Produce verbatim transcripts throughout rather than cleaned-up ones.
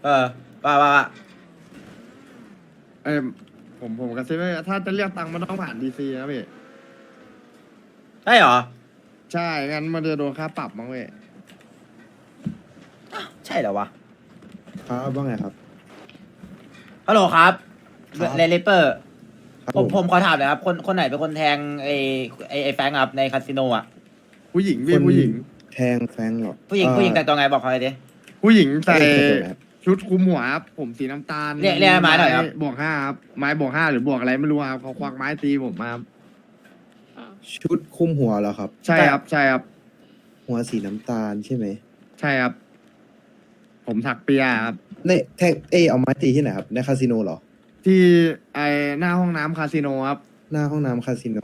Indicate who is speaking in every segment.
Speaker 1: เออว่าว่าว่า
Speaker 2: เออผมผมกระซิบว่าถ้าจะเรียกตังค์มันต้องผ่านดีซีนะพี่
Speaker 1: ใช่เหรอ
Speaker 2: ใช่งั้นมันจะโดนค่าปรับมั้งเว้ย
Speaker 1: ใช่เหรอวะ
Speaker 3: ครับว่าไงครับ
Speaker 1: ฮัลโหลครับ
Speaker 3: ครับ
Speaker 1: เลเลเปอร์
Speaker 3: ครับ
Speaker 1: ผม
Speaker 3: ผม
Speaker 1: ผมขอถามหน่อยครับ คนคนไหนเป็นคนแทงไอไอไอแฟงครับในคาสิโนอ่ะ
Speaker 2: ผู้หญิงพี่
Speaker 3: คน
Speaker 2: ผู้หญิง
Speaker 3: แทงแฟงเหรอ
Speaker 1: ผู้หญิง
Speaker 3: เอ่อ
Speaker 1: ผู้หญิงแต่งตัวไงบอกเขาเลยดิ
Speaker 2: ผู้หญิงใส่
Speaker 3: เอ้ยใส่ตัวไหนครับ
Speaker 2: ชุดคลุมหัวครับผมสีน้ำตาล
Speaker 1: เรียกเรียกไม้หน่อยครับ
Speaker 2: บวกห้าครับไม้บวกห้าหรือบวกอะไรไม่รู้ครับเขาควักไม้ตีผมมาครับ
Speaker 3: ชุดคลุมหัวเหรอครับ
Speaker 2: ใช่ครับใช่ครับ
Speaker 3: หัวสีน้ำตาลใช่ไหม
Speaker 2: ใช่ครับ ผมถักเปียครับ
Speaker 3: ในแทงเอยเอาไม้ตีที่ไหนครับในคาสิโนเหรอ
Speaker 2: ที่ไอหน้าห้องน้ำคาสิโนครับ
Speaker 3: หน้าห้องน้ำคาสิโน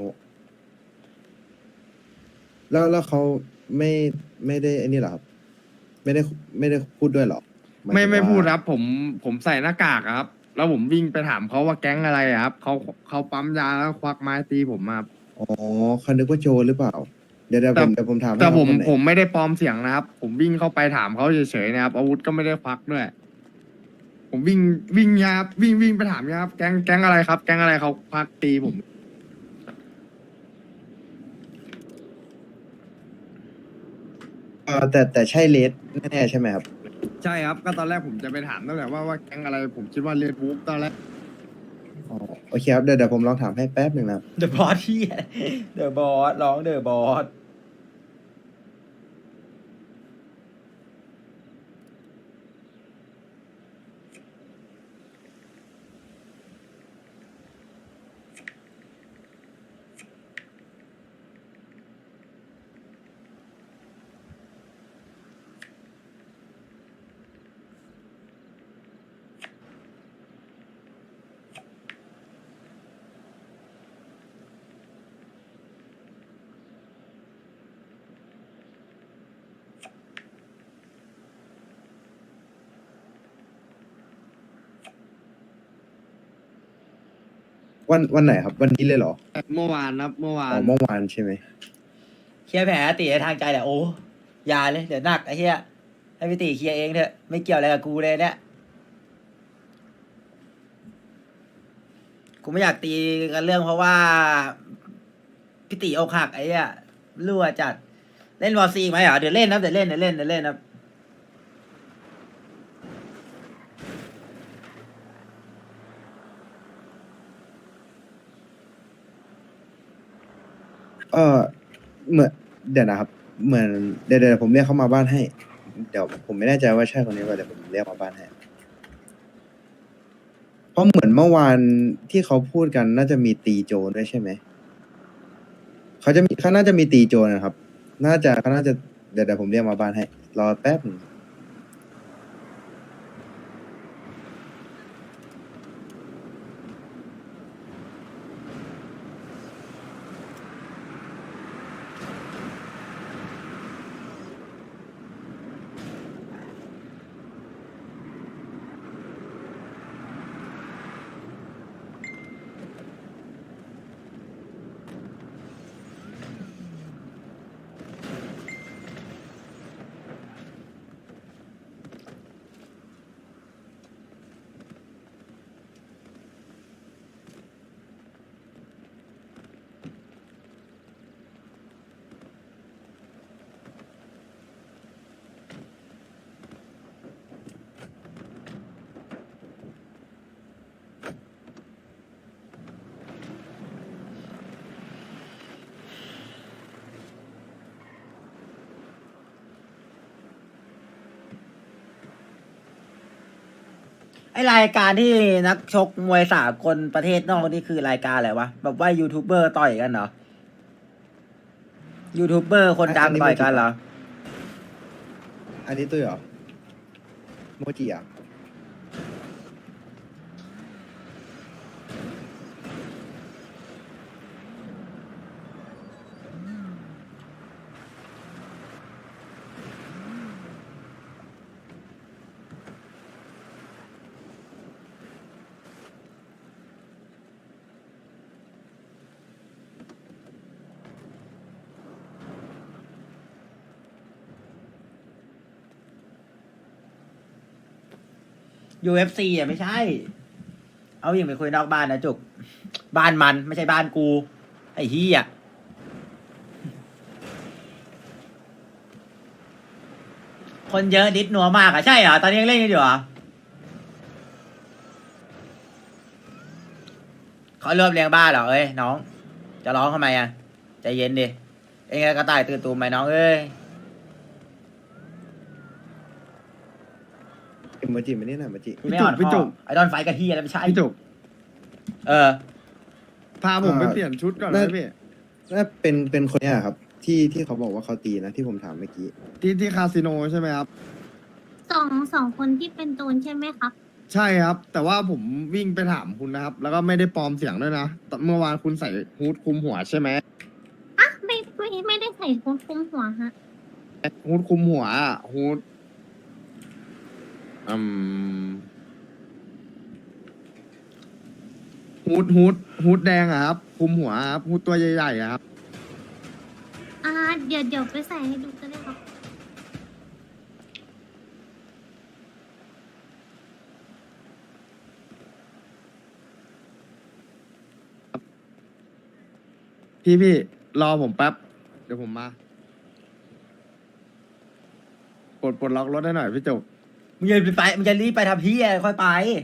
Speaker 3: แล้วแล้วเขาไม่ไม่ได้ไอ้นี่เหรอครับ ไม่ได้ไม่ได้พูดด้วยเหรอหาย
Speaker 2: ไม่
Speaker 3: ถึง
Speaker 2: ไม่
Speaker 3: ว่า
Speaker 2: พูดครับ ผมผมใส่หน้ากากอะครับ แล้วผมวิ่งไปถามเขาว่าแก๊งอะไรอะครับเขาเขาปั๊มยาแล้วควักไม้ตีผมมาครับ
Speaker 3: อ๋อเขานึกว่าโจรหรือเปล่า เดี๋ยวเดี๋ยว
Speaker 2: แต่
Speaker 3: ผมเดี๋ยวผมถามให้
Speaker 2: แต่
Speaker 3: ครับ
Speaker 2: ผม
Speaker 3: คนไหน
Speaker 2: ผมไม่ได้ปลอมเสียงนะครับ ผมวิ่งเข้าไปถามเขาเฉยๆนะครับอาวุธก็ไม่ได้ควักด้วย ผมวิ่งวิ่งยาครับวิ่งวิ่งไปถามยาครับแก๊งแก๊งอะไรครับ แก๊งอะไรเขาควักตีผม
Speaker 3: เออแต่แต่ใช่เลสแน่ๆใช่ไหมครับ
Speaker 2: ใช่ครับ ก็ตอนแรกผมจะไปถามนั่นแหละว่าว่าแก๊งอะไรผมคิดว่าเรียนวูฟตอนแรก
Speaker 3: อ๋อโอเคครับเดี๋ยวเดี๋ยวผมลองถามให้แป๊บหนึ่งนะครับ
Speaker 1: เดอะบอสที่เดอะบอสร้องเดอะบอส
Speaker 3: วันวันไหนครับ วันนี้เลยเหรอ
Speaker 2: เมื่อวานครับเมื่อวา
Speaker 3: อ๋อน เมื่อวานใช่ไหม
Speaker 1: เคลียร์แผลตีในทางใจแหละโอ้อยาเลยเดี๋ยวหนักไอ้เหี้ยให้พี่ตีเคลียร์เองเถอะไม่เกี่ยวอะไรกับกูเลยเนี่ยกูไม่อยากตีกันเรื่องเพราะว่าพี่ตีอกหักไอ้เหี้ยรั่วจัดเล่นวอร์ซีไหมเหรอเดี๋ยวเล่นนะเดี๋ยวเล่นเดี๋ยวเล่นเดี๋ยวเล่นนะ
Speaker 3: เออเหมือนเดี๋ยวนะครับ เหมือนเดี๋ยวเดี๋ยวผมเรียกเขามาบ้านให้ เดี๋ยวผมไม่แน่ใจว่าใช่คนนี้ป่ะเดี๋ยวผมเรียกมาบ้านให้ เพราะเหมือนเมื่อวานที่เขาพูดกันน่าจะมีตีโจรด้วยใช่ไหม เขาจะมีเขาน่าจะมีตีโจรนะครับ น่าจะเขาน่าจะเดี๋ยวเดี๋ยวผมเรียกมาบ้านให้ รอแป๊บหนึง
Speaker 1: ไอรายการที่นักชกมวยสากลประเทศนอกนี่คือรายการอะไรวะแบบว่ายูทูบเบอร์ต่อยกันเหรอยูทูบเบอร์คนดังต่อยกันเหรอ
Speaker 3: อันนี้ตุ้ยเหรอ โมจิอ่ะ
Speaker 1: ยู เอฟ ซี อ่ะไม่ใช่ เอาอย่างไปคุยนอกบ้านนะจุก บ้านมันไม่ใช่บ้านกู ไอ้เหี้ยคนเยอะดิดหนัวมากอ่ะใช่เหรอ ตอนนี้ยังเล่นกันอยู่เหรอเขารวบเรียงบ้านเหรอเอ้ยน้อง จะร้องทำไมอ่ะใจเย็นดิ เองกระต่ายตื่นตูมไหมน้องเอ้ย
Speaker 3: เอ็มจิมานี่หน่อยมาจิ
Speaker 1: ไม่อ่อน
Speaker 2: พี่
Speaker 1: ข้
Speaker 2: จุ
Speaker 1: อก ไอดอนไฟกับเฮียแล้วไม่ใช่
Speaker 2: พี่จุก
Speaker 1: เออ
Speaker 2: พาผมไปเปลี่ยนชุดก่อนนะพี่
Speaker 3: น่าเป็นเป็นคนเนี้ยครับ ที่ที่เขาบอกว่าเขาตีนะที่ผมถามเมื่อกี้
Speaker 2: ที่ที่คาสิโนใช่ไหมครับ
Speaker 4: สองสองคนที่เป็นโจรใช่ไหมครับ
Speaker 2: ใช่ครับ แต่ว่าผมวิ่งไปถามคุณนะครับ แล้วก็ไม่ได้ปลอมเสียงด้วยนะแต่เมื่อวานคุณใส่ฮูดคลุมหัวใช่ไหม
Speaker 4: อ่ะไม่ไม่ไม่ได้ใส่คุคุมหัวฮะ
Speaker 2: ฮูดคลุมหัวอะฮูดอืมฮูดฮูดฮูดแดงอะครับคลุมหัวครับฮูดตัวใหญ่ๆอะครับ
Speaker 4: อ่าเดี๋ยวเดี๋ยวไปใส่ให้ดูก็ได้ครับ
Speaker 2: พี่พี่รอผมแป๊บ เดี๋ยวผมมา ปลดปลดล็อกรถให้หน่อยพี่จุก
Speaker 1: มึงจะไปมึงจะรีบไปทำเฮียค่อยไป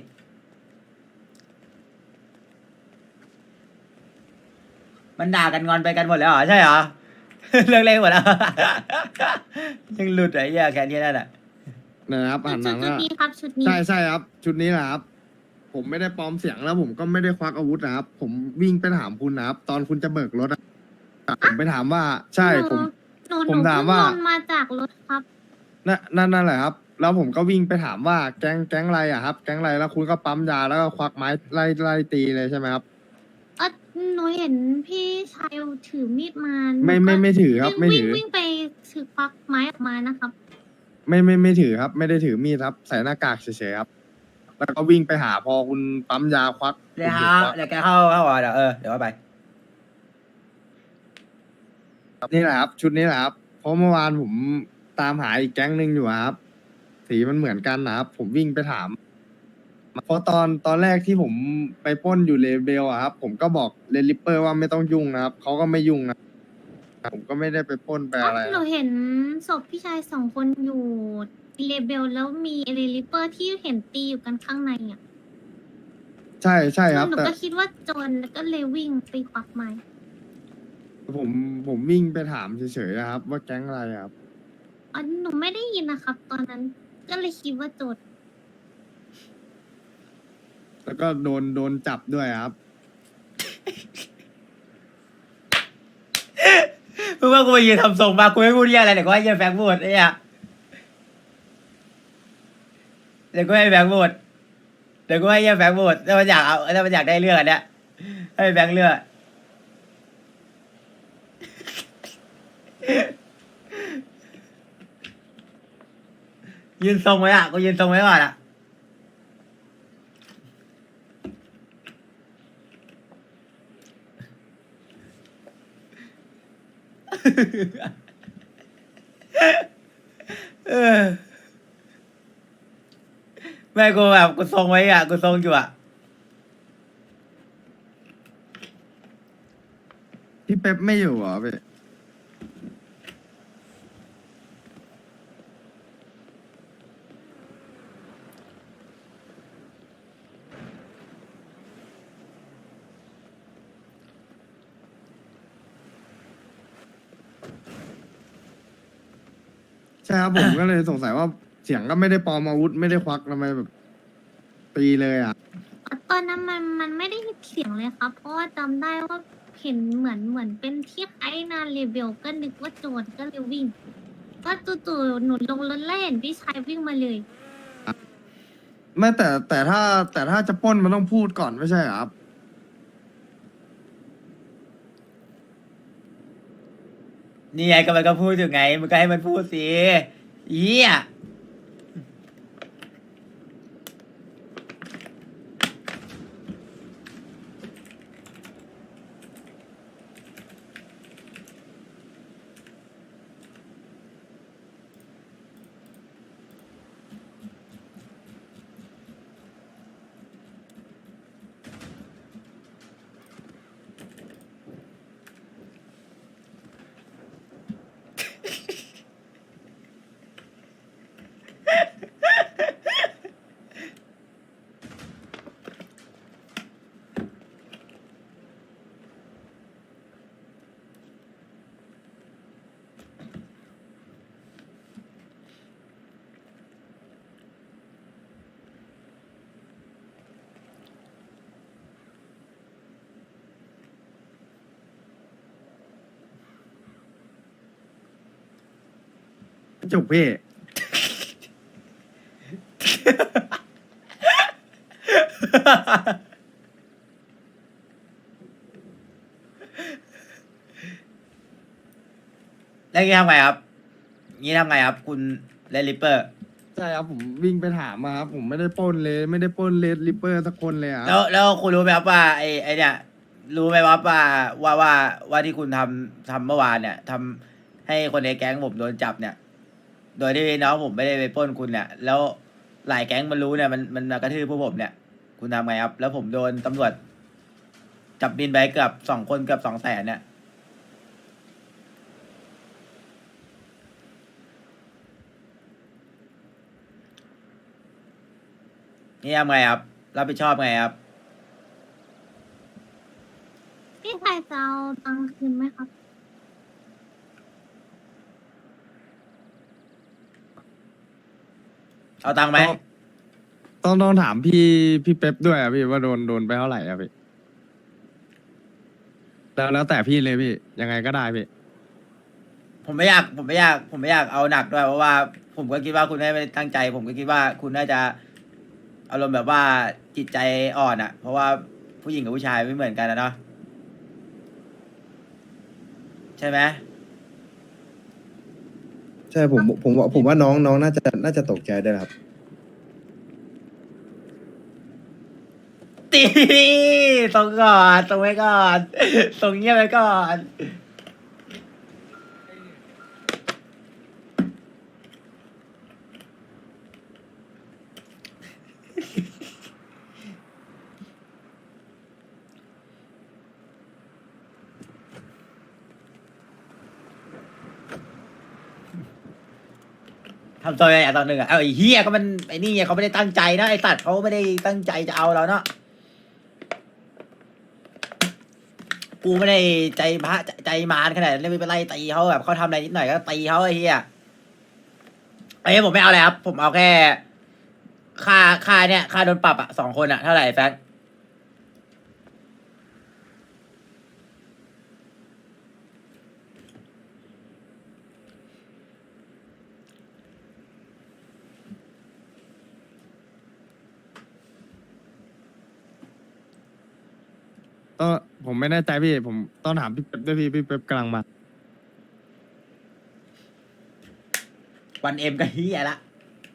Speaker 1: มันด่ากันงอนไปกันหมดแล้วเหรอใช่เหรอ เลิกเล่นหมดแล้ว ยังหลุดไอ้เหี้ยแค่นี้นั่นแหละ
Speaker 2: นะครับหันห
Speaker 4: ชุ
Speaker 2: ลั
Speaker 4: ด
Speaker 2: ง
Speaker 4: ชุด
Speaker 2: อะ
Speaker 4: นี้ครับชุดนี้
Speaker 2: ใช่ใช่ครับ ชุดนี้แหละครับ ผมไม่ได้ปลอมเสียงแล้ว ผมก็ไม่ได้ควักอาวุธนะครับ ผมวิ่งไปถามคุณนะครับ ตอนคุณจะเบิกรถอะผมไปถามว่า ใช่
Speaker 4: หนู
Speaker 2: ผม
Speaker 4: หนูห
Speaker 2: ผ
Speaker 4: นู
Speaker 2: ม
Speaker 4: เพิ่
Speaker 2: ถาม
Speaker 4: ง
Speaker 2: ว่า
Speaker 4: ลงมาจากรถครับ
Speaker 2: นั่นนั่นนั่นแหละครับ แล้วผมก็วิ่งไปถามว่าแก๊งแก๊งอะไรอะครับ แก๊งอะไรแล้วคุณก็ปั๊มยาแล้วก็ควักไม้ไล่ไล่ตีเลยใช่ไหมครับ
Speaker 4: เออหนูเห็นพี่ชายถือมีดมาหนู
Speaker 2: ไม่ไม่
Speaker 4: ก็
Speaker 2: ไม่ถือครับ ไม่
Speaker 4: วิ่ง
Speaker 2: ถือ
Speaker 4: วิ่งไปถือควักไม้ออกมานะครับ
Speaker 2: ไม่ไม่ไม่ถือครับ ไม่ได้ถือมีดครับ ใส่หน้ากากเฉยๆครับ แล้วก็วิ่งไปหาพอคุณปั๊มยาควัก
Speaker 1: เดี๋ยว
Speaker 2: ผม
Speaker 1: ฮะ
Speaker 2: ควัก
Speaker 1: เดี๋ยวแกเข้าเข้าอ่ะเดี๋ยวเออเดี๋ยวว่าไป
Speaker 2: นี่แหละครับ ชุดนี้แหละครับ เพราะเมื่อวานผมตามหาอีกแก๊งหนึ่งอยู่ครับ สีมันเหมือนกันนะครับ ผมวิ่งไปถาม เพราะตอนตอนแรกที่ผมไปปล้นอยู่เลเบลอะครับ ผมก็บอกเลนลิปเปอร์ว่าไม่ต้องยุ่งนะครับเขาก็ไม่ยุ่งนะผมก็ไม่ได้ไปปล้นไปอะไร
Speaker 4: หนูเห็นศพพี่ชายสองคนอยู่เลเบลแล้วมีเอลิลิเปอร์ที่เห็นตีอยู่กันข้างในอ่ะ
Speaker 2: ใช่ใช่ครับ
Speaker 4: หนู
Speaker 2: แต่
Speaker 4: ก็คิดว่าโจรแล้วก็เลยวิ่งไปควักไม้
Speaker 2: ผมผมวิ่งไปถามเฉยๆนะครับ ว่าแก๊งอะไรครับ
Speaker 4: อ๋อหนูไม่ได้ยินนะครับ ตอนนั้นก็เลยคิดว่าโจร
Speaker 2: แล้วก็โดนโดนจับด้วยครับ
Speaker 1: มึงว่ากูไปยืนทำทรงมากูไม่พูดเหี้ยอะไรเดี๋ยวกูให้เหี้ยแฟงพูดไอ้เหี้ยเดี๋ยวกูให้แฟงพูดเดี๋ยวกูให้เหี้ยแฟงพูดถ้ามันอยากเอาถ้ามันอยากได้เรื่องอันเนี้ยให้แฟงเลือกยืนทรงไว้อ่ะกูยืนทรงไว้ก่อนอ่ะ เออแม่กูแบบกูทรงไว้อ่ะกูทรงอยู่อ่ะ
Speaker 2: พี่เป๊ปไม่อยู่เหรอพี่ ใช่ครับ ผมก็เลยสงสัยว่าเสียงก็ไม่ได้ปลอมอาวุธไม่ได้ควักทำไมแบบตีเลยอ่ะ
Speaker 4: ตอนนั้นมันมันไม่ได้ยินเสียงเลยครับ เพราะว่าจำได้ว่าเห็นเหมือนเหมือนเป็นที่ไอ้นาเลเบลก็นึกว่าโจรก็เลยวิ่งก็จู่ๆหนูลงรถแล้วเห็นพี่ชายวิ่งมาเลย
Speaker 2: ไม่แต่แต่ถ้าแต่ถ้าจะปล้นมันต้องพูดก่อนไม่ใช่เหรอครับ
Speaker 1: นี่ไงก็มันก็พูดอยู่ไงมันก็ให้มันพูดสิเหี้ย
Speaker 2: จุกพี่
Speaker 1: แล้วงี้ทำไงครับงี้ทำไงครับ คุณเลลิปเปอร์
Speaker 2: ใช่ครับผมวิ่งไปถามมาครับผมไม่ได้ปล้นเลยไม่ได้ปล้นเลดริปเปอร์สักคนเลยอะค
Speaker 1: แล้ว
Speaker 2: รับ
Speaker 1: แล้วคุณรู้ไหมครับว่าไอ้ไอ้เนี่ยรู้ไหมครับว่าว่าว่าว่าที่คุณทำทำเมื่อวานเนี่ยทำให้คนในแก๊งผมโดนจับเนี่ย โดยที่น้องผมไม่ได้ไปปล้นคุณเนี่ย แล้วหลายแก๊งมันรู้เนี่ยมันมันมากระทืบพวกผมเนี่ย คุณทำไงครับ แล้วผมโดนตำรวจจับบินไปเกือบสองคนเกือบสองแสนเนี่ย นี่ทำไงครับ รับผิดชอบไงครับ
Speaker 4: พี่ชายจะเอาตังค์คืนไหมครับ
Speaker 1: เอาตังค์ไหม
Speaker 2: ต้องต้องถามพี่พี่เป๊ปด้วยอะพี่ว่าโดนโดนไปเท่าไหร่อะพี่แล้วแล้วแต่พี่เลยพี่ยังไงก็ได้พี่
Speaker 1: ผมไม่อยากผมไม่อยากผมไม่อยากเอาหนักด้วยเพราะว่า ผมก็คิดว่าคุณไม่ได้ตั้งใจ ผมก็คิดว่าคุณน่าจะอารมณ์แบบว่าจิตใจอ่อนอ่ะ เพราะว่าผู้หญิงกับผู้ชายไม่เหมือนกันนะเนาะใช่ไหม
Speaker 3: ใช่ผมผมว่าผมว่าน้องน้องน่าจะน่าจะตกใจได้วยครับ
Speaker 1: ตีส่งก่อนส่งไว้ก่อนส่งเงียบไว้ก่อนทำตัวอย่างตอนหนึ่งอ่ะเอาไอ้เฮียก็มันไอ้นี่ไงเขาไม่ได้ตั้งใจนะไอ้สัตว์เขาไม่ได้ตั้งใจจะเอาเราเนาะกูไม่ได้ใจพระใจมารขนาดนั้นไม่ไปไล่ตีเขาแบบเขาทำอะไรนิดหน่อยก็ตีเขาไอ้เฮียไอ้เหี้ยผมไม่เอาเลยครับ ผมเอาแค่ค่าค่าเนี่ยค่าโดนปรับอ่ะสองคนอ่ะเท่าไหร่แฟน
Speaker 2: ต้องผมไม่แน่ใจพี่ผมต้องถามพี่เป๊ปด้วยพี่พี่เป๊ปกำลังมา
Speaker 1: วันเอ็มก็เฮียละ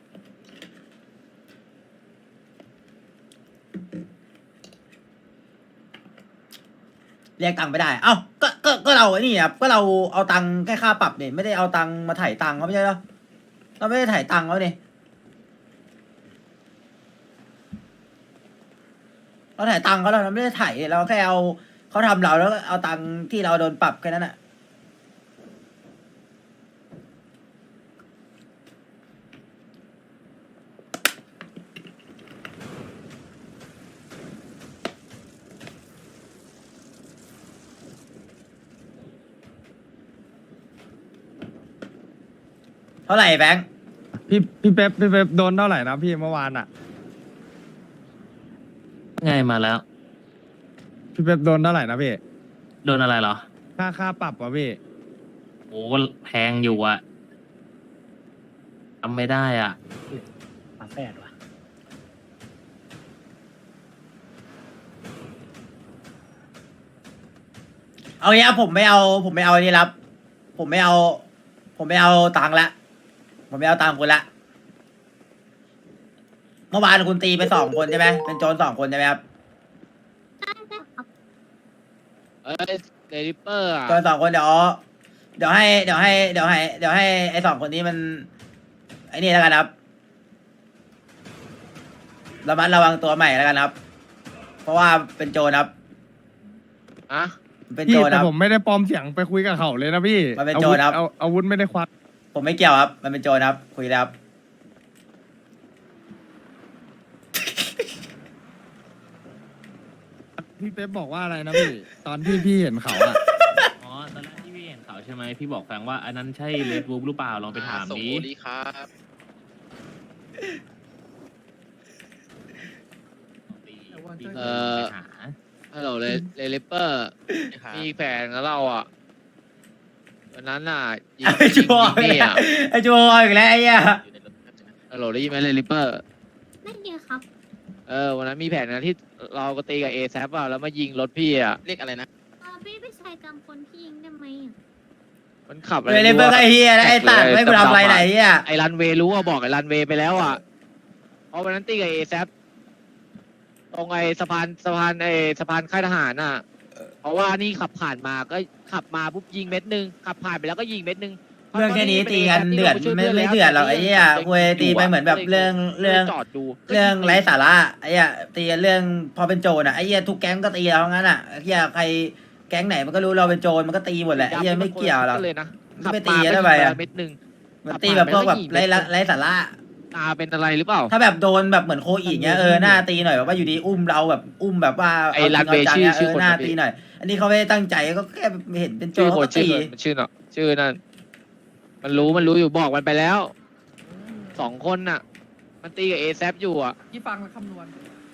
Speaker 1: เรียกตังค์ไม่ได้ เอ้าก็ก็ก็เราไอ้นี่ครับก็เราเอาตังค์แค่ค่าปรับเนี่ยไม่ได้เอาตังค์มาถ่ายตังค์เขาไม่ใช่เหรอเราไม่ได้ถ่ายตังค์เขาเนี่ยเราถ่ายตังค์เขาเราไม่ได้ถ่ายเราแค่เอาเขาทำเราแล้วก็เอาตังค์ที่เราโดนปรับแค่นั้นแหะเท่าไหร่แบงค์
Speaker 2: พี่พี่เป๊ปพี่เป๊ปโดนเท่าไหร่นะพี่เมื่อวานอ่ะ
Speaker 5: ไงมาแล้ว
Speaker 2: พี่เป๊ปโดนเท่าไหร่นะพี่
Speaker 5: โดนอะไรเหรอ
Speaker 2: ค่าค่าปรับวะพี่
Speaker 5: โอ้แพงอยู่อะทำไม่ได้อ่ะ
Speaker 6: ฝาแฝดว่ะ
Speaker 1: เอาเนี้ยผมไม่เอา ผมไม่เอาอันนี้รับ ผมไม่เอา ผมไม่เอาตังค์ละ ผมไม่เอาตังค์คุณละ เมื่อวานคุณตีไปสองคนใช่ไหมเป็นโจรสองคนใช่ไหมครับ
Speaker 4: ได้ได้ครับ
Speaker 7: เอ้ยเดลิเปอร์อ่ะ
Speaker 1: โจรสองคนเดี๋ยวเดี๋ยวให้เดี๋ยวให้เดี๋ยวให้เดี๋ยวให้ไอ้สองคนนี้มันไอ้นี่แล้วกันครับระมัดระวังตัวใหม่แล้วกันครับ เพราะว่าเป็นโจรครับ
Speaker 7: อะ
Speaker 1: เป็น
Speaker 2: พี่
Speaker 1: โจรค
Speaker 2: แต่
Speaker 1: รับ
Speaker 2: ผมไม่ได้ปลอมเสียงไปคุยกับเขาเลยนะพี่
Speaker 1: มันเป็น
Speaker 2: อา
Speaker 1: โจ
Speaker 2: วุ
Speaker 1: ร
Speaker 2: ธ
Speaker 1: ครับ
Speaker 2: เอาอาวุธไม่ได้ควัก
Speaker 1: ผมไม่เกี่ยวครับ มันเป็นโจรครับ คุยแล้วครับ
Speaker 2: พี่เป๊ปบอกว่าอะไรนะพี่ ตอนที่พี่เห็นเขาอะ
Speaker 5: อ๋อ ตอนแรกที่พี่เห็นเขาใช่ไหม พี่บอกแฟงว่าอันนั้นใช่เลดวูฟหรือเปล่า ลองไปถาม
Speaker 7: ส่ง
Speaker 5: ดิ
Speaker 7: โอลีครับ
Speaker 5: เออไปหา
Speaker 7: ฮัลโหลเลเลลิเปอร์ มีแฟนกับเราอ่ะวันนั้นน่ะยิง
Speaker 1: ไอ้
Speaker 7: ยิ
Speaker 1: จู
Speaker 7: ง
Speaker 1: โฮ
Speaker 7: ยิงนี่อ่ะ
Speaker 1: ไอ้จูโฮอีกแล้วไอ้เหี้ย
Speaker 7: ฮัลโหลได้ยินไหมเลยริปเปอร์
Speaker 4: ได้ยินครับ
Speaker 7: เออวันนั้นมีแผนนะที่เราก็ตีกับเอแซอ่ะแล้วมายิงรถพี่อ่ะเรียกอะไรนะ
Speaker 4: เออพี่พี่ชายจำคนที่ยิงได้ไหมอะ
Speaker 7: มันขับอะไร
Speaker 1: เลยเลยเบิร์กไอ้เฮียนะไอ้ตัดไม่กูทำอะไรไหนเฮีย
Speaker 7: ไอ้รันเวย์รู้ว่าบอกไอ้รันเวย์ไปแล้วอ่ะเพราะวันนั้นตีกับเอแซตรงไอ้สะพานสะพานไอ้สะพานค่ายทหารน่ะเพราะว่านี่ขับผ่านมาก็ขับมาปุ๊บยิงเม็ดหนึงขับผ่านไปแล้วก็ยิงเม็ดหนึง
Speaker 1: เรื่องแค่นี้ตีกันเดือดไม่ไม่เดือดหรอกไอ้เหี้ยคุยตีไปเหมือนแบบเรื่องเรื่อง
Speaker 7: จอดดู
Speaker 1: เรื่องไร้สาระไอ้เหี้ยตีกันเรื่องพอเป็นโจรอ่ะไอ้เหี้ยทุกแก๊งก็ตีเรางั้นอ่ะไอ้เหี้ยใครแก๊งไหนมันก็รู้เราเป็นโจรมันก็ตีหมดแหละไอ้เหี้ยไม่เกี่ยวหรอก
Speaker 7: เลยนะ
Speaker 1: ไม่ไปตีกันทำไมอะ
Speaker 7: เม็ดหนึง
Speaker 1: มันตีแบบพวกแบบไร้ละไร้สาระ
Speaker 7: ตาเป็นอะไรหรือเปล่า
Speaker 1: ถ้าแบบโดนแบบเหมือนโคอีกเงี้ยเออหน้าตีหน่อยแบบว่าอยู่ดีอุ้มเราแบบอุ้มแบบว่า
Speaker 7: ไอ้รันเวย์
Speaker 1: าจ
Speaker 7: ชื่
Speaker 1: ริ
Speaker 7: อง
Speaker 1: าจัง
Speaker 7: ชื่อ
Speaker 1: เอ
Speaker 7: ค
Speaker 1: อน หน้า
Speaker 7: นะพี่
Speaker 1: ตีหน่อย อันนี้เขาไม่ได้ตั้งใจก็แค่เห็นเป็นโจ
Speaker 7: ชื่
Speaker 1: ร
Speaker 7: อ
Speaker 1: เขา
Speaker 7: คน
Speaker 1: ก็
Speaker 7: ชื่
Speaker 1: ตี
Speaker 7: อมันชื่อเนาะชื่อนั่นมันรู้มันรู้อยู่บอกมันไปแล้วสองคนน่ะ มันตีกับเอแซอยู่อ่ะ
Speaker 8: ที่ฟังและคำนวณ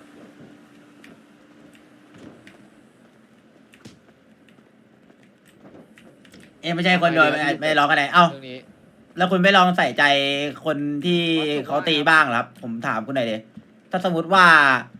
Speaker 1: เอ้ไม่ใช่คนโดนไม่ไม่ร้องกันไหนเอ้า
Speaker 7: เรื่องนี้
Speaker 1: แล้วคุณไม่ลองใส่ใจคนที่เขาตีบ้างเหรอครับ ผมถามคุณหน่อยดิถ้าสมมติว่า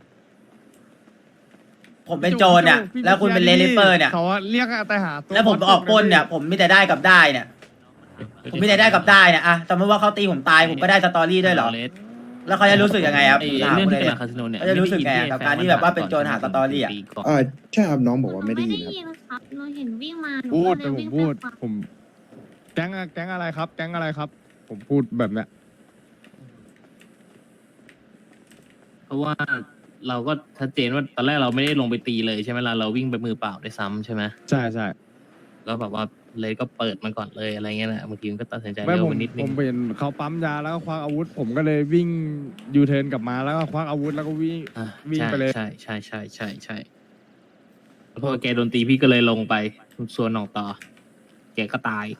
Speaker 1: ผมเป็นโจรเนี่ย แล้วคุณเป็นเลนลิปเปอร์เนี่ย
Speaker 2: เขาเรียกแต่หาตัว
Speaker 1: แล้วผมออกปล้นเนี่ย ผมมีแต่ได้กับได้เนี่ย ผมมีแต่ได้กับได้เนี่ยอะสมมติว่าเขาตีผมตายผมก็ได้สตอรี่ด้วยเหรอ แล้วเขาจะรู้สึกยังไงครับ
Speaker 5: ไอ้
Speaker 1: ผมถาม
Speaker 5: เรื่อง
Speaker 1: คุณ
Speaker 5: ที่
Speaker 1: เลย
Speaker 5: เป็น
Speaker 1: เนี่ย
Speaker 5: คาสิโนเนี่ย
Speaker 1: เขาจะรู้สึกไงกับการที่แบบว่าเป็นโจรหาสตอรี่อะ
Speaker 3: อ่าใช่ครับน้องบอก
Speaker 4: หนู
Speaker 3: ว่าไม่ได้ยินครับ
Speaker 4: ยินครับหนูเห็นวิ่งมาหนู
Speaker 2: พูด
Speaker 4: ก็
Speaker 2: แต่
Speaker 4: เลย
Speaker 2: ผม
Speaker 4: วิ่ง
Speaker 2: พูด
Speaker 4: ไปฟัง
Speaker 2: ผม แก๊งอะแก๊งอะไรครับ แก๊งอะไรครับ ผมพูดแบบเนี้ย
Speaker 5: เพราะว่าเราก็ชัดเจนว่าตอนแรกเราไม่ได้ลงไปตีเลยใช่ไหมล่ะเราวิ่งไปมือเปล่าด้วยซ้ำใช่ไหม
Speaker 2: ใช่ใช่
Speaker 5: แล้วแบบว่าเลยก็เปิดมันก่อนเลยอะไรเงี้ยนะบางทีมันก็ตัดสินใจ
Speaker 2: ไม่
Speaker 5: เร็ว
Speaker 2: ผม
Speaker 5: ไปนิดนึ
Speaker 2: ผ
Speaker 5: ง
Speaker 2: มเห็นเขาปั๊มยาแล้วก็ควักอาวุธ ผมก็เลยวิ่งยูเทิร์นกลับมาแล้วก็ควักอาวุธแล้วก็วิ่ง
Speaker 5: อ่ะ
Speaker 2: วิ่ง
Speaker 5: ใช่
Speaker 2: ไปเลย
Speaker 5: ใช่ใช่ใช่ใช่ใช่แล้วพอแกโดนตีพี่ก็เลยลงไปส่วนหนองต่อ แกก็ตาย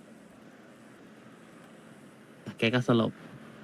Speaker 5: แกก็สลบ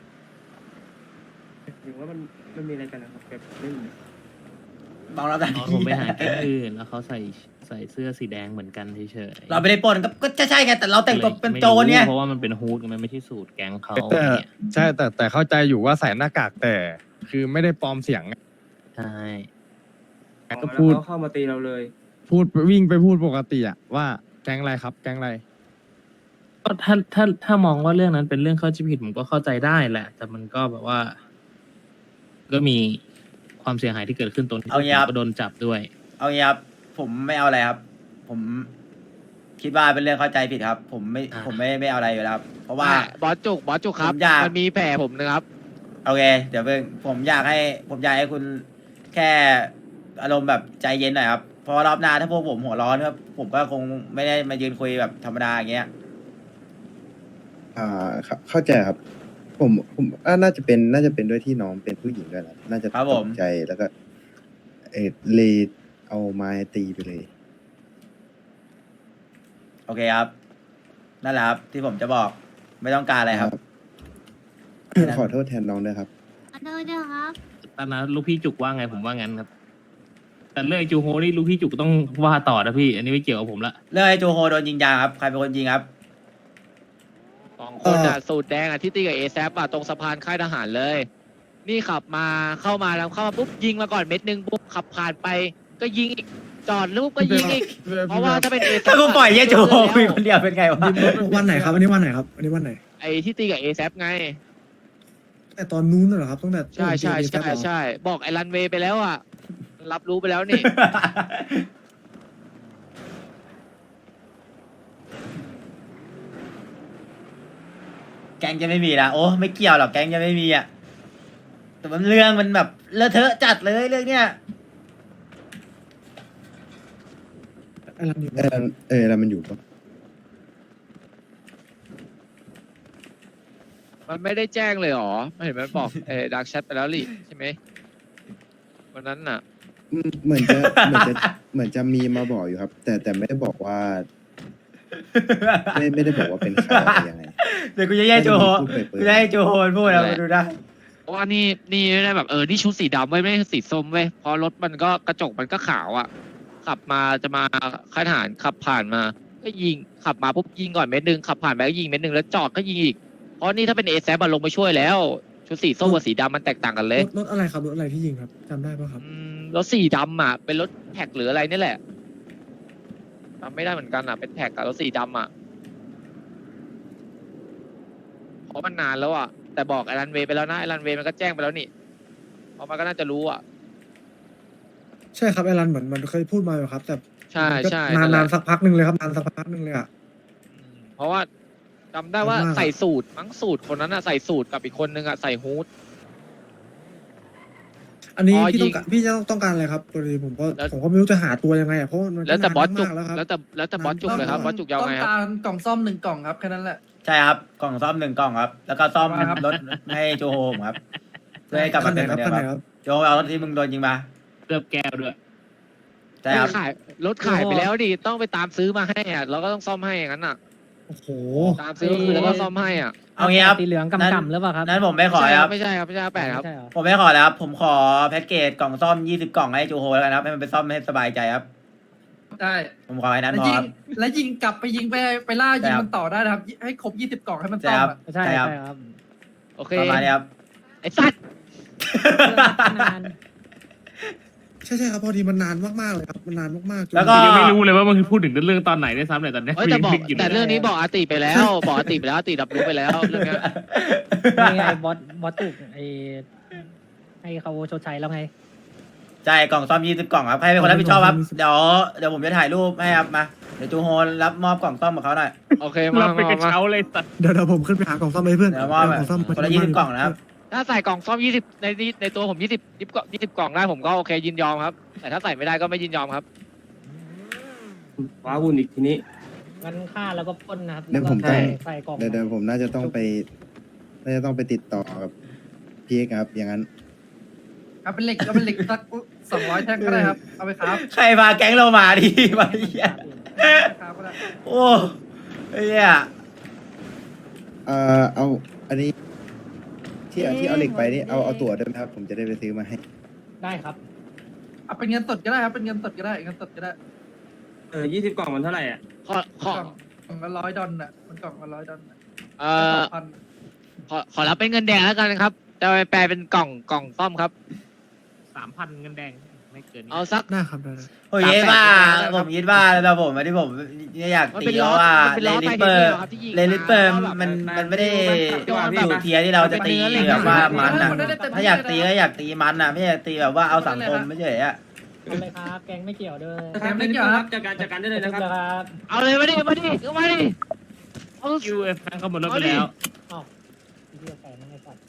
Speaker 8: หรือว่ามันมันมีอะไรกันนะครับแบบไม่มี
Speaker 1: บอกเราแต่
Speaker 5: อ๋อผมไปหาแก๊งอื่นแล้วเขาใส่ใส่เสื้อสีแดงเหมือนกันเฉยๆ
Speaker 1: เราไม่ได้ปล้นก็ก็จะใช่ไงแต่เราแต่งตัวเป็นโจรเนี่ย
Speaker 5: เพราะว่ามันเป็นฮูดมันไม่ใช่สูตรแก๊งเขา
Speaker 2: แต่
Speaker 5: เนี่ย
Speaker 2: ใช่แต่แต่เข้าใจอยู่ว่าใส่หน้ากากแต่ คือไม่ได้ปลอมเสียงไง
Speaker 5: ใช่
Speaker 2: ก็พูด
Speaker 8: แล้วเขาเข้ามาตีเราเลย
Speaker 2: พูดวิ่งไปพูดปกติอะว่าแก๊งอะไรครับ แก๊งอะไร
Speaker 5: ก็ถ้าถ้าถ้ามองว่าเรื่องนั้นเป็นเรื่องเข้าใจผิดผมก็เข้าใจได้แหละ แต่มันก็แบบว่า ก็มีความเสียหายที่เกิดขึ้นตรงที่
Speaker 1: เอางี้ครับ
Speaker 5: ก็โดนจับด้วย
Speaker 1: เอางี้ครับผมไม่เอาอะไรครับ ผมคิดว่าเป็นเรื่องเข้าใจผิดครับ ผมไม่
Speaker 5: อ่า
Speaker 1: ผมไม่ไม่เอาอะไรอยู่แล้วครับเพราะว่า
Speaker 7: บอสจุกบอสจุกครับ
Speaker 1: ผมอยาก
Speaker 7: มันมีแผลผมนะครับ
Speaker 1: โอเค เดี๋ยวเพิ่งผมอยากให้ ผมอยากให้คุณแค่อารมณ์แบบใจเย็นหน่อยครับเพราะว่ารอบหน้าถ้าพวกผมหัวร้อนก็ผมก็คงไม่ได้มายืนคุยแบบธรรมดาอย่างเงี้ย
Speaker 3: อ่าเข้าเข้าใจครับ ผมผมอ่าน่าจะเป็นน่าจะเป็นด้วยที่น้องเป็นผู้หญิงด้วยนะน่าจะ
Speaker 1: ครับ
Speaker 3: ต
Speaker 1: ผ
Speaker 3: ก
Speaker 1: ม
Speaker 3: ใจแล้วก็ เออเลยเอาไม้ตีไปเลย
Speaker 1: โอเคครับ นั่นแหละครับ ที่ผมจะบอกไม่ต้องการอะไรครับ
Speaker 3: ขอโทษแทนน้องด้วยครับ
Speaker 4: ขอโทษด้วยครับ
Speaker 5: ตอนนั้นลูกพี่จุกว่าไงผมว่างั้นครับ แต่เรื่องไอ้จูโฮนี่ลูกพี่จุกต้องว่าต่อนะพี่ อันนี้ไม่เกี่ยวกับผมละ
Speaker 1: เรื่องไอ้โจโฮโดนยิงยางครับใครเป็นคนยิงครับ
Speaker 7: สองคนอ่ะสูตรแดงอ่ะที่ตีกับเอแซอ่ะตรงสะพานค่ายทหารเลย นี่ขับมาเข้ามาแล้วเข้ามาปุ๊บยิงมาก่อนเม็ดหนึ่งปุ๊บขับผ่านไป ก็ยิงอีกจอดลูกก็ยิงอีก เพราะว่าถ้าเป็นเอแซ
Speaker 1: ถ้ากูปล่อยไอ้โจโฮคุยคนเดียวเป็นไงวะ
Speaker 9: วันไหนครับอันนี้วันไหนครับอันนี้วันไหน
Speaker 7: ไอ้ที่ตีกับเอแซไง
Speaker 9: แต่ตอนนู้นน่ะเหรอครับตั้งแต่
Speaker 7: ใช่ใช่ใช่ใช่บอกไอ้รันเวย์ไปแล้วอ่ะ รับรู้ไปแล้วนี่
Speaker 1: แก๊งจะไม่มีนะโอ้ไม่เกี่ยวหรอกแก๊งจะไม่มีอ่ะแต่มันเรื่องมันแบบเลอะเทอะจัดเลยเรื่องเนี้ย
Speaker 9: ไอ้รันอยู่
Speaker 3: เออเออแล้วมันอยู่ปะ
Speaker 7: มันไม่ได้แจ้งเลยเหรอไม่เห็นมันบอกเออดักแชทไปแล้วลิใช่ไหมวันนั้นน่ะ
Speaker 3: อืมเหมือนจะเหมือนจะเหมือนจะมีมาบอกอยู่ครับ แต่แต่ไม่ได้บอกว่า ไม่ไม่ได้บอกว่าเป็นใครอะไรยังไง
Speaker 1: เดี๋ยวกูจะแย่โจโฮ
Speaker 3: พูดไปเปิด
Speaker 1: กูจะให้โจโฮมันพูดแล้วมาดูได้
Speaker 7: เพราะว่านี่นี่ไม่ได้แบบเออนี่ชุดสีดำไว้ยไม่ใช่สีส้มไว้ยเพราะรถมันก็กระจกมันก็ขาวอ่ะ ขับมาจะมาค่ายทหารขับผ่านมาก็ยิงขับมาปุ๊บยิงก่อนเม็ดหนึ่งขับผ่านไปก็ยิงเม็ดหนึ่งแล้วจอดก็ยิงอีกเพราะนี่ถ้าเป็นเอแซลงไปช่วยแล้วชุดสีส้มกับสีดำมันแตกต่างกันเล
Speaker 9: ร
Speaker 7: ย
Speaker 9: ถรถอะไรครับรถอะไรที่ยิงครับจำได้ปะครับ
Speaker 7: อืมรถสีดำอ่ะเป็นรถแท็กหรืออะไรนี่แหละจำไม่ได้เหมือนกันอ่ะเป็นแท็กกับรถสีดำอ่ะเพราะมันนานแล้วอ่ะแต่บอกไอรันเวย์ไปแล้วนะไอรันเวย์มันก็แจ้งไปแล้วนี่เพราะมันก็น่าจะรู้อ่ะ
Speaker 9: ใช่ครับไอรันเหมือนมันเคยพูดมาอยู่ครับ แต่
Speaker 7: ใช่
Speaker 9: มันก็
Speaker 7: ใช่
Speaker 9: นาน
Speaker 7: แหละ
Speaker 9: นานสักพักหนึ่งเลยครับนานสักพักหนึ่งเลยอ่ะ
Speaker 7: อืมเพราะว่าจำได้ว่า
Speaker 9: จำมาก
Speaker 7: ใส่สูตรมั้งสูตรคนนั้นอ่ะใส่สูตรกับอีกคนนึงอ่ะใส่ฮูด
Speaker 9: อันนี้
Speaker 7: อ๋อ
Speaker 9: พี่ต้อง
Speaker 7: ยิง
Speaker 9: การพี่จะต้องต้องการอะไรครับพอดีผมก็
Speaker 7: แล้ว
Speaker 9: ผมก็ไม่รู้จะหาตัวยังไงอ่ะเพราะมัน
Speaker 7: แล้วแต่บอสจุก
Speaker 9: นานมากแล้วครับ
Speaker 7: แล้วแต่แล้วแต่บอสจุกเลยครับบอสจุกยาวไงครับ
Speaker 8: กล่องซ่อมหนึ่งกล่องครับแค่นั้นแหละ
Speaker 1: ใช่ครับกล่องซ่อมหนึ่งกล่องครับ แล้วก็ซ่อม
Speaker 8: มาครับ
Speaker 1: รถให้โจโฮผมครับเพื่อให้กลับ
Speaker 9: คั
Speaker 1: มาน
Speaker 9: ไหน
Speaker 1: เป็นเห
Speaker 9: ค
Speaker 1: มื
Speaker 9: รั
Speaker 1: อบ นเดิมค
Speaker 9: คันไหน
Speaker 1: รับ
Speaker 9: ครับ
Speaker 1: โจเอารถที่มึงโดนยิงมา
Speaker 5: เกือบแก้วด้วย
Speaker 1: ใช่ครับ
Speaker 7: ขายรถขายไปแล้วดิต้องไปตามซื้อมาให้อ่ะเราก็ต้องซ่อมให้อย่างนั้นอ่ะ
Speaker 9: โอ้โห
Speaker 7: ตามซื้อคือแล้วก็ซ่อมให้อ่ะ
Speaker 1: เอางี้ครับ
Speaker 6: สีเหลือง
Speaker 1: นั้น
Speaker 6: กำๆหรือเปล่าครับ
Speaker 1: นั้นผมไม่ขอครับ
Speaker 7: ไม่ใช่ครับไม่ใช่ครับแปดครับ
Speaker 6: ไม่ใช่เหรอ
Speaker 1: ผมไม่ขอแล้วครับ ผมขอแพ็กเกจกล่องซ่อมยี่สิบกล่องให้โจโฮแล้วกันครับให้มันไปซ่อมให้สบายใจครับ
Speaker 8: ได้
Speaker 1: ผมขอให้นั้น
Speaker 8: แล้ว
Speaker 1: พอ
Speaker 8: ยิ
Speaker 1: ค
Speaker 8: ง
Speaker 1: รับ
Speaker 8: แล้วยิงกลับไปยิงไปไปล่ายิง
Speaker 1: ใช่ครับ
Speaker 8: มันต่อได้นะครับ ให้ครบยี่สิบกล่องให้มัน
Speaker 1: ใช่
Speaker 8: ซ่อม
Speaker 1: ครับ
Speaker 8: อะ
Speaker 6: ใช่
Speaker 1: ใช่ครับ
Speaker 6: ใช่ครับ
Speaker 7: โอเค
Speaker 1: ประมาณนี้ครับ
Speaker 7: ไอ้สัตว์
Speaker 6: นาน
Speaker 9: ใช่ใช่ครับพอดีมันนานมากๆเลยครับมันนานมากๆจน
Speaker 1: แล้วก็
Speaker 5: ยังไม่รู้เลยว่ามันคือพูดถึงเรื่องตอนไหนได้วยซ้ำเนี่ยตอนเนี้ย
Speaker 7: เฮ้ยแต่บอก
Speaker 5: ยังนึยู่
Speaker 7: แต่
Speaker 5: เลย
Speaker 7: เรื่องนี้บอกอาติไปแล้วบอกอาติไปแล้วอาติรับรู้ไปแล้วเรื่องเนี้ย
Speaker 6: นี่ไงบอสบอสตุกไอให้เขาชดใช้แล้วไง
Speaker 1: ใช่กล่องซ่อมยี่สิบกล่องครับให้เป็นคนรับผิดชอบครับเดี๋ยวเดี๋ยวผมจะถ่ายรูปให้ครับมาเดี๋ยวโจโฮรับมอบกล่องซ่อมกับเขาหน่อย
Speaker 7: โอเคมา
Speaker 5: เราไปกระ
Speaker 7: มา
Speaker 5: เช้าเลยสัตว์
Speaker 9: เดี๋ยวเดี๋ยวผมขึ้นไปหากล่องซ่อมให้เพื่อน
Speaker 1: เดี๋ยวมอบ
Speaker 9: กล่องซ่อม
Speaker 1: คนละยี่สิบกล่องนะครับ
Speaker 7: ถ้าใส่กล่องซ่อมยี่สิบในนี้ในตัวผมยี่สิบยี่สิบกล่องยี่สิบกล่องได้ผมก็โอเคยินยอมครับ แต่ถ้าใส่ไม่ได้ก็ไม่ยินยอมครับ
Speaker 8: ว้าวุ่นอีกทีนี้
Speaker 6: งั้นฆ่าแล้วก็ปล้นนะครับ
Speaker 3: เดี๋ยวผมต้อง
Speaker 6: ใส่กล่อง
Speaker 3: เดี๋ยวเดี๋ยวผมน่าจะต้องไปน่าจะต้องไปติดต่อกับพี่เอกครับ อย่างนั้น
Speaker 8: เอาเป็นเหล็กเอาเป็นเหล็กสักสองร้อยแท่งก็ได้ครับ เอาไปครับ
Speaker 1: ใครพาแก๊งเรามาดี มาเหี้ย
Speaker 8: ครับก็ได้
Speaker 1: โอ้ไอ้เหี้ย
Speaker 3: เอ่อเอาอันนี้ ที่เอาที่เอาเหล็กไปนี่เอาเอาตั๋วด้วยไหมครับ ผมจะได้ไปซื้อมาให้
Speaker 6: ได้ครับ
Speaker 8: เอาเป็นเงินสดก็ได้ครับ เป็นเงินสดก็ได้ เงินสดก็ได้
Speaker 10: เออยี่สิบกล่องมันเท่าไหร่อ่ะ
Speaker 7: ขอขอก
Speaker 8: ล่องกล่องละร้อยดอลน่ะ มันกล่องละร้อยดอลน่ะ
Speaker 7: เอ่อ
Speaker 8: พัน
Speaker 7: ขอขอรับเป็นเงินแดงแล้วกันครับจะไปแปลเป็นกล่องกล่องซ่อมครับ
Speaker 5: สามพันเงินแดงไม่เกินนี้
Speaker 7: เอาสัก
Speaker 9: ได้ครับได้ได้
Speaker 1: ผมคิดว่าผมคิดว่าแล้วผมที่ผมอยาก
Speaker 7: มัน
Speaker 1: ตี
Speaker 7: เป็น
Speaker 1: เพ
Speaker 7: ล้อ
Speaker 1: ราะว่า
Speaker 7: มันเป็น
Speaker 1: เล
Speaker 7: ล้อ
Speaker 1: ลิ
Speaker 7: ไฟ
Speaker 1: เปอร์
Speaker 7: เดียวครับที่ยิง
Speaker 1: เลลิเปอร์
Speaker 7: มา
Speaker 1: มันมันไม่ได้
Speaker 7: มัน
Speaker 1: อยู่เทียร์ที่เราจะตีแบบว่ามันอ่ะถ้าอยากตีก็อยากตีมันอ่ะไม่อยากตีแบบว่าเอาสังคมไม่ใช่อ่ะ
Speaker 6: ทำเลยครับ แกงไม่เกี่ยวด้วย
Speaker 10: แกไม่เกี่ยวครับจัดการจัดการได้เลยนะครับ
Speaker 6: ครับ
Speaker 7: เอาเลยมาดิมาดิเอามาดิเอา
Speaker 5: ยูเอฟแฟนเขาหมดรถไปแล้ว
Speaker 6: อ้าวเรียกใส่ไม่ให้สัตว์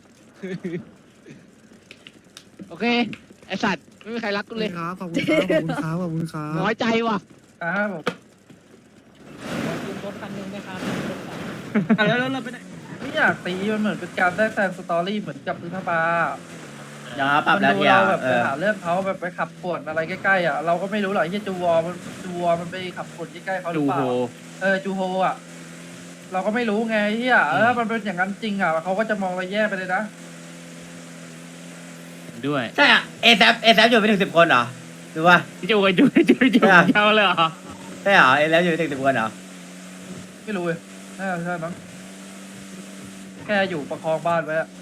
Speaker 7: โอเคไอสัตว์ไม่มีใครรักกูเลย
Speaker 9: ครับขอบคุณครับขอบคุณครับขอบคุณครับ
Speaker 7: น้อยใจว่ะ
Speaker 8: ครับผม
Speaker 6: ยืมรถคันหนึงไหมครับ
Speaker 10: อ่ะแล้วแล้วเราไปไหน
Speaker 8: ไม่อยากตีมันเหมือนเป็นการได้แซงสตอรี่เหมือนกับพื้นผ้า
Speaker 1: อย่าปรับ
Speaker 8: มัน
Speaker 1: แล้ว
Speaker 8: ดู
Speaker 1: เทีย
Speaker 8: เรา
Speaker 1: ร์
Speaker 8: แบบ
Speaker 1: เอ
Speaker 8: ไป
Speaker 1: อ
Speaker 8: หาเรื่องเขาแบบไปขับปวดอะไรใกล้ๆอ่ะเราก็ไม่รู้หรอกที่จูวอมันจูวอมันไปขับปวดใกล้ๆเขาหรื
Speaker 5: ดู
Speaker 8: อเป
Speaker 5: โฮ
Speaker 8: ล่าเออจูโฮอ่ะเราก็ไม่รู้ไงที่อ่ะเออมันเป็นอย่างนั้นจริงอ่ะเขาก็จะมองเราแย่ไปเลยนะ
Speaker 5: ด้วย
Speaker 1: ใช่อ่ะเอแซเอแซอยู่ไม่ถึงสิบคนเหรอหรือว่า
Speaker 5: พี่จูกันจูจูจูเช้าเลยเหรอ
Speaker 1: ใช่เหรอเอแซอยู่ไม่ถึงสิบคนเหรอ
Speaker 8: ไม่รู้เลยน่าจะใช่มั้งแค่อยู่ประคองบ้านไว้อะ